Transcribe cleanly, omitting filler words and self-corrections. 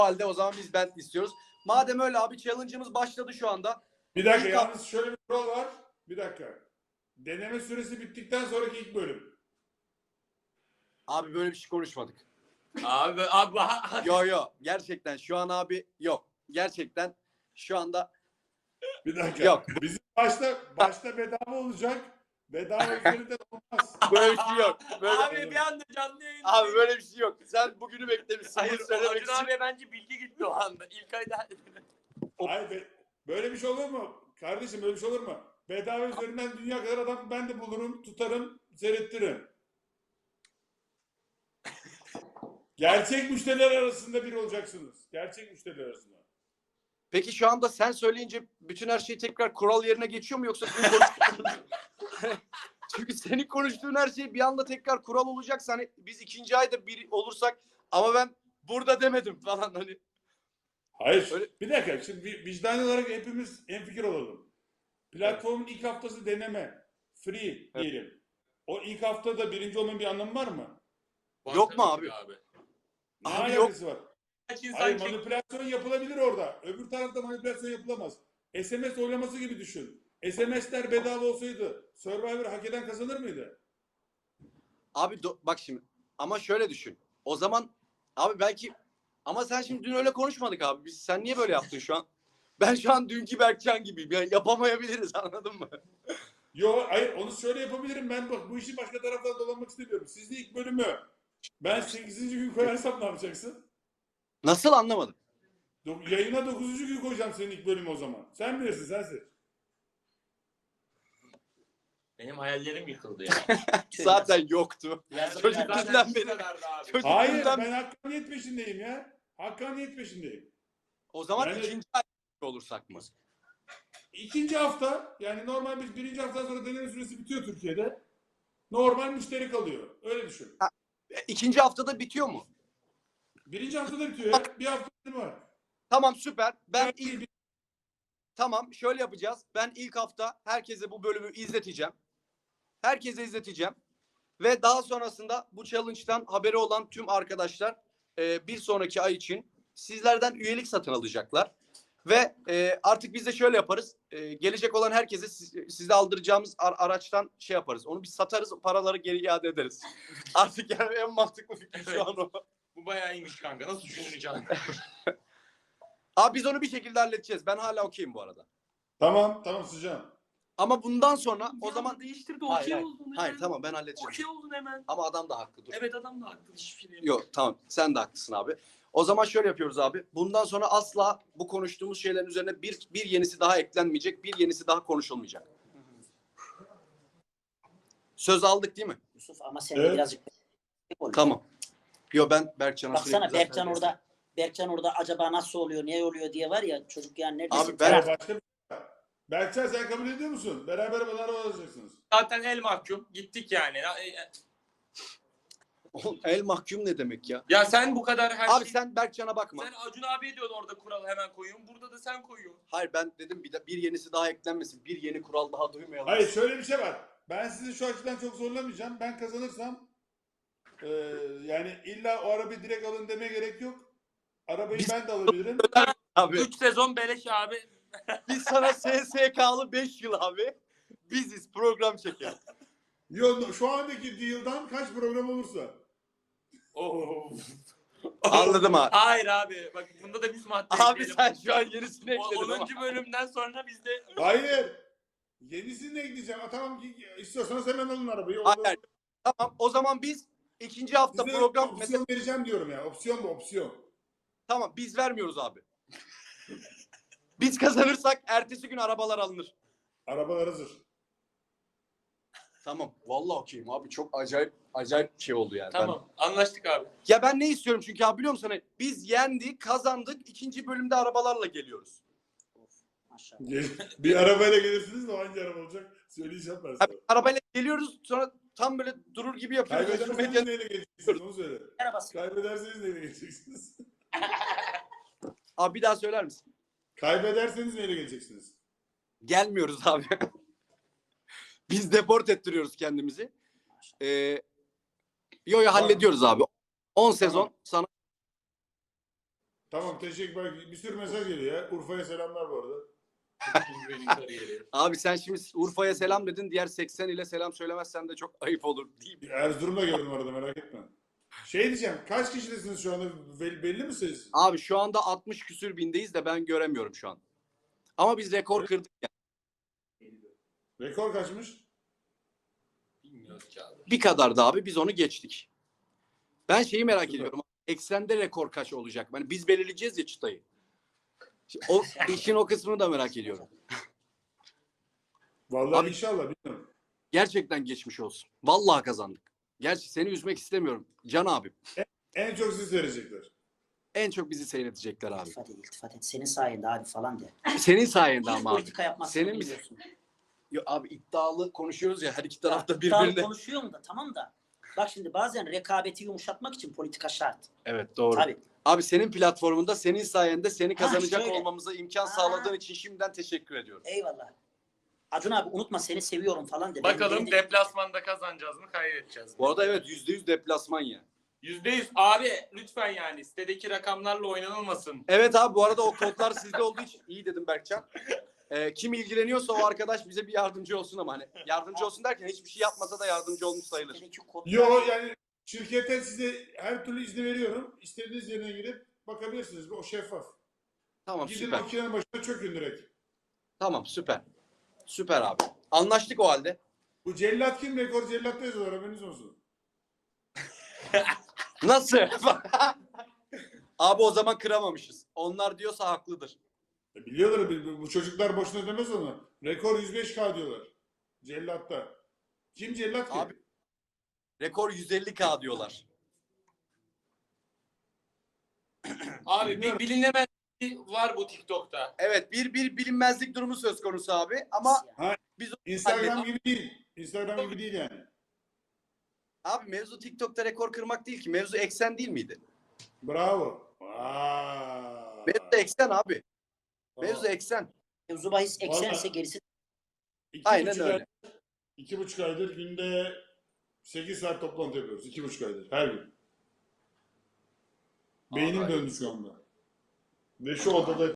halde o zaman biz Bentley istiyoruz. Madem öyle abi, challenge'ımız başladı şu anda. Bir dakika, yalnız şöyle bir kural var. Bir dakika. Deneme süresi bittikten sonraki ilk bölüm. Abi böyle bir şey konuşmadık. Abi. Yo gerçekten şu an abi yok. Gerçekten şu anda Bir dakika. yok. Bizim başta bedava olacak. Bedava üzerinden olmaz. Böyle bir şey yok. Böyle, Abi bir anda canlı yayın. abi böyle bir şey yok. Sen bugünü beklemişsin. Hayır, Bunu söylemek Acun için. abiye bence bilgi gitti o anda. İlk ayda. Hayır, böyle bir şey olur mu? Kardeşim böyle bir şey olur mu? Bedava üzerinden dünya kadar adam ben de bulurum, tutarım, seyrettiririm. Gerçek müşteriler arasında biri olacaksınız. Gerçek müşteriler arasında. Peki şu anda sen söyleyince bütün her şey tekrar kural yerine geçiyor mu, yoksa çünkü senin konuştuğun her şey bir anda tekrar kural olacaksa, hani biz ikinci ayda bir olursak ama ben burada demedim falan hani. Hayır. Öyle... Bir dakika. Şimdi vicdani olarak hepimiz hemfikir olalım. Platformun ilk haftası deneme. Free diyelim. O ilk haftada birinci olmanın bir anlamı var mı? Yok mu abi? Ne Abi alakası var? Kaç insan Hayır, manipülasyon yapılabilir orada. Öbür tarafta manipülasyon yapılamaz. SMS oylaması gibi düşün. SMS'ler bedava olsaydı Survivor hak eden kazanır mıydı? Abi bak şimdi, ama şöyle düşün. O zaman abi belki, ama sen şimdi dün öyle konuşmadık abi. Sen niye böyle yaptın şu an? Ben şu an dünkü Berkcan gibiyim. Yani yapamayabiliriz, anladın mı? Yo, hayır, onu şöyle yapabilirim. Ben bak bu işi başka taraftan dolanmak istemiyorum. Siz de ilk bölümü ben 8. gün koyarsam ne yapacaksın? Nasıl, anlamadım. Yayına 9. gün koyacağım senin ilk bölümü o zaman. Sen bilirsin, sensin. Benim hayallerim yıkıldı ya. Zaten yoktu. Çocukluğumdan beri. Hayır, ben hakkaniyet peşindeyim ya. Hakkaniyet peşindeyim. O zaman Yani... ikinci ay olursak mı? İkinci hafta, yani normal biz birinci haftadan sonra deneme süresi bitiyor Türkiye'de. Normal müşteri kalıyor. Öyle düşün. İkinci haftada bitiyor mu? Birinci haftada bitiyor ya. Bir hafta var. Tamam, süper. Tamam, şöyle yapacağız. Ben ilk hafta herkese bu bölümü izleteceğim. Herkese izleteceğim. Ve daha sonrasında bu challenge'dan haberi olan tüm arkadaşlar bir sonraki ay için sizlerden üyelik satın alacaklar. Ve artık biz de şöyle yaparız. Gelecek olan herkese size aldıracağımız araçtan şey yaparız. Onu bir satarız, paraları geri iade ederiz. Artık yani en mantıklı fikir şu an o. Bu bayağı iyiymiş kanka. Nasıl düşüneceğim? Abi biz onu bir şekilde halledeceğiz. Ben hala okeyim bu arada. Tamam sıcağım. Ama bundan sonra o zaman değiştirdi. Hayır, Okey oldun. hayır tamam, ben halledeceğim. Okey oldun hemen. Ama adam da haklı. Dur. Evet, adam da haklı. Hiçbir şey Yok tamam, sen de haklısın abi. O zaman şöyle yapıyoruz abi. Bundan sonra asla bu konuştuğumuz şeylerin üzerine bir yenisi daha eklenmeyecek. Bir yenisi daha konuşulmayacak. Söz aldık değil mi? Yusuf, ama sen de birazcık Tamam. Yo, ben Berkcan'a baksana, Berkcan orada acaba nasıl oluyor, niye oluyor diye var ya, çocuk yani neredesin? Abi ben Berkcan, sen kabul ediyor musun? Beraber bana araba alacaksınız. Zaten el mahkum. Gittik yani. el mahkum ne demek ya? Ya sen bu kadar her Abi şey... sen Berkcan'a bakma. Sen Acun abiye diyordun orada kuralı hemen koyuyorsun. Burada da sen koyuyorsun. Hayır, ben dedim bir yenisi daha eklenmesin. Bir yeni kural daha duymayalım. Hayır, şöyle bir şey var. Ben sizi şu açıdan çok zorlamayacağım. Ben kazanırsam yani illa o arabayı direkt alın demeye gerek yok. Arabayı ben de alabilirim. Abi 3 sezon beleş abi. biz sana SSK'lı 5 yıl abi. Biziz, program çeker. Yo, şu andaki deal'dan kaç program olursa. Anladım abi. Hayır abi. Bak bunda da biz madde Abi ekleyelim. sen şu an yenisini ekledin 10. ama. bölümden sonra biz de... Hayır. Yenisini de ekleyeceğim. Tamam, istiyorsanız hemen alın arabayı. Hayır. Tamam, o zaman biz ikinci hafta Size program opsiyon mesela, vereceğim diyorum ya. Opsiyon bu, opsiyon. tamam biz vermiyoruz abi. Biz kazanırsak ertesi gün arabalar alınır. Arabalar hazır. Tamam. Vallahi okeyim abi. Çok acayip bir şey oldu yani. Tamam. Anlaştık abi. Ya ben ne istiyorum çünkü abi, biliyor musun? Hani biz yendik, kazandık. İkinci bölümde arabalarla geliyoruz. Maşallah. Bir arabayla gelirsiniz de o hangi araba olacak? Söyleyeceğim ben sana. Abi, arabayla geliyoruz, sonra tam böyle durur gibi yapıyoruz. Kaybederseniz neyle geleceksiniz, onu söyle. Arabası. Kaybederseniz neyle geleceksiniz? Abi bir daha söyler misin? Kaybederseniz neyle geleceksiniz? Gelmiyoruz abi. Biz deport ettiriyoruz kendimizi. Yo hallediyoruz abi. 10 sezon sana. Tamam teşekkür. Bak, bir sürü mesaj geliyor ya. Urfa'ya selamlar bu arada. Benim kariyeri. Abi sen şimdi Urfa'ya selam dedin. Diğer 80 ile selam söylemezsen de çok ayıp olur deyip. Erzurum'da gördüm arada, merak etme. Şey diyeceğim, kaç kişidesiniz şu anda, belli mi sayısı? Abi şu anda 60 küsür bindeyiz de ben göremiyorum şu an. Ama biz rekor kırdık yani. Rekor kaçmış? Bilmiyoruz ki abi. Bir kadar da abi biz onu geçtik. Ben şeyi merak ediyorum. Eksende rekor kaç olacak? Yani biz belirleyeceğiz ya çıtayı. O işin o kısmını da merak ediyorum. Vallahi Abi- inşallah, bilmiyorum. Gerçekten geçmiş olsun. Vallahi kazandık. Gerçi seni üzmek istemiyorum. Can abim. En çok siz verecekler. En çok bizi seyredecekler abi. İltifat et. Senin sayende abi falan de. Senin sayende Hiç ama abi. politika yapmazsın Senin bir biliyorsun. Yo, abi iddialı konuşuyoruz ya her iki tarafta İddialı birbirine. konuşuyorum da tamam da. Bak şimdi bazen rekabeti yumuşatmak için politika şart. Evet doğru. Tabii. Abi senin platformunda senin sayende seni kazanacak şöyle. olmamıza imkan Ha. sağladığın için şimdiden teşekkür ediyorum. Eyvallah. Acun abi unutma seni seviyorum falan de. Ben Bakalım de- deplasmanda kazanacağız mı kaybedeceğiz mi? Bu arada evet %100 deplasman ya. %100 abi lütfen yani sitedeki rakamlarla oynanılmasın. Evet abi bu arada o kodlar sizde olduğu için iyi dedim Berkcan. Kim ilgileniyorsa o arkadaş bize bir yardımcı olsun ama hani yardımcı olsun derken hiçbir şey yapmasa da yardımcı olmuş sayılır. Sitedeki kodlar- Yo, yani şirkete size her türlü izni veriyorum. İstediğiniz yerine girip bakabilirsiniz. O şeffaf. Tamam Gidin süper. makinenin başına çökün direkt. Tamam süper. Süper abi. Anlaştık o halde. Bu cellat kim? Rekor cellatta yazıyorlar, haberiniz olsun. Nasıl? Abi o zaman kıramamışız. Onlar diyorsa haklıdır. Biliyorlar, bu çocuklar boşuna demez onu. Rekor 105K diyorlar. Cellatta. Kim cellat ki? Abi- Rekor 150K diyorlar. Abi bir bilinemez var bu TikTok'ta. Evet bir bilinmezlik durumu söz konusu abi ama Instagram gibi değil. Instagram gibi değil yani. abi mevzu TikTok'ta rekor kırmak değil ki. Mevzu eksen değil miydi? Bravo. Vay. Mevzu eksen abi. Mevzu Tamam. eksen. Mevzu bahis eksense Vallahi- gerisi Aynen öyle. 2,5 aydır günde 8 saat toplantı yapıyoruz. 2,5 aydır. Her gün. Beynim Vallahi. döndü şu anda. Ve şu odada